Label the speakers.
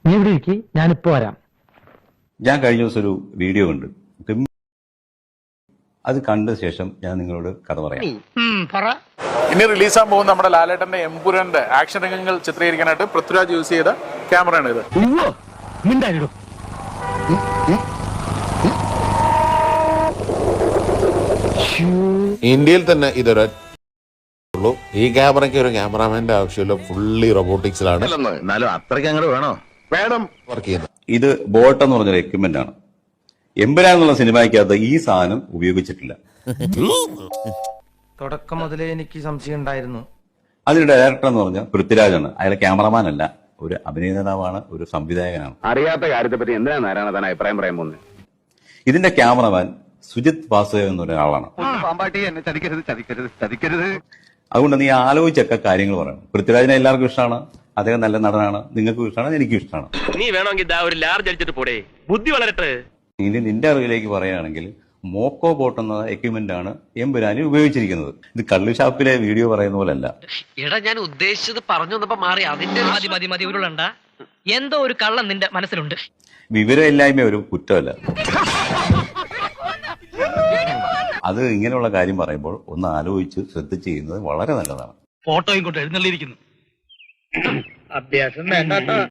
Speaker 1: നീ ഇവിടെ ഇരിക്കി, ഞാനിപ്പോ വരാം.
Speaker 2: ഞാൻ കഴിഞ്ഞ ദിവസം ഒരു വീഡിയോ കണ്ടു. അത് കണ്ട ശേഷം ഞാൻ നിങ്ങളോട് കഥ പറയാം.
Speaker 3: ഇനി റിലീസാൻ പോകുന്ന നമ്മുടെ ലാലേട്ടന്റെ എമ്പുരാന്റെ ആക്ഷൻ രംഗങ്ങൾ ചിത്രീകരിക്കാനായിട്ട് പൃഥ്വിരാജ് യൂസ് ചെയ്ത ക്യാമറയാണ് ഇത്.
Speaker 4: ഇന്ത്യയിൽ തന്നെ ഇതൊരു ഈ ക്യാമറയ്ക്ക് ഒരു ക്യാമറാമാന്റെ ആവശ്യമില്ല, ഫുള്ളി റോബോട്ടിക്സിലാണ്
Speaker 5: അത്രയ്ക്ക് അങ്ങോട്ട് വേണം
Speaker 4: വർക്ക് ചെയ്യുന്നത്.
Speaker 2: ഇത് ബോട്ട് എന്ന് പറഞ്ഞൊരു എക്യുപ്മെന്റ് ആണ്. എമ്പുരാൻ എന്നുള്ള സിനിമയ്ക്കകത്ത് ഈ സാധനം ഉപയോഗിച്ചിട്ടില്ല.
Speaker 6: തുടക്കം മുതലേ എനിക്ക് സംശയം ഉണ്ടായിരുന്നു.
Speaker 2: അതിന്റെ ഡയറക്ടർ എന്ന് പറഞ്ഞാൽ പൃഥ്വിരാജാണ്. അയാൾ ക്യാമറമാൻ അല്ല, ഒരു അഭിനേതാവാണ്, ഒരു സംവിധായകനാണ്.
Speaker 5: അറിയാത്ത കാര്യത്തെ പറ്റി എന്തിനാ നാരായണ താൻ അഭിപ്രായം പറയാൻ പോകുന്നത്?
Speaker 2: ഇതിന്റെ ക്യാമറമാൻ സുജിത് വാസുദേവ് എന്നൊരാളാണ്. അതുകൊണ്ട് നീ ആലോചിച്ചൊക്കെ കാര്യങ്ങൾ പറയണം. പൃഥ്വിരാജിനെ എല്ലാവർക്കും ഇഷ്ടമാണ്, അദ്ദേഹം നല്ല നടനാണ്, നിങ്ങൾക്കും ഇഷ്ടമാണ്, എനിക്കും ഇഷ്ടമാണ്.
Speaker 7: നീ വേണമെങ്കിൽ ഒരു ലാർജ് അടിച്ചിട്ട് പോടേ, ബുദ്ധി വളരട്ടെ.
Speaker 2: ഇനി നിന്റെ അറിവിലേക്ക് പറയുകയാണെങ്കിൽ മോക്കോ ബോട്ട് എന്ന എക്യുപ്മെന്റ് ആണ് എമ്പുരാനിൽ ഉപയോഗിച്ചിരിക്കുന്നത്. ഇത് കള്ളുഷാപ്പിലെ വീഡിയോ പറയുന്ന പോലെ അല്ല.
Speaker 8: എടാ, ഞാൻ ഉദ്ദേശിച്ചത് പറഞ്ഞു വന്നപ്പോ മാറി. അതിന്റെ മതി ഉരുളണ്ട. എന്തോ ഒരു കള്ളം നിന്റെ മനസ്സിലുണ്ട്.
Speaker 2: വിവരമില്ലായ്മ ഒരു കുറ്റമല്ല. അത് ഇങ്ങനെയുള്ള കാര്യം പറയുമ്പോൾ ഒന്ന് ആലോചിച്ച് ശ്രദ്ധിച്ച് ചെയ്യുന്നത് വളരെ നല്ലതാണ്.
Speaker 7: ഫോട്ടോയും കൊണ്ട് എഴുന്നള്ളിയിരിക്കുന്നു.
Speaker 6: അഭ്യാസം വേണ്ട.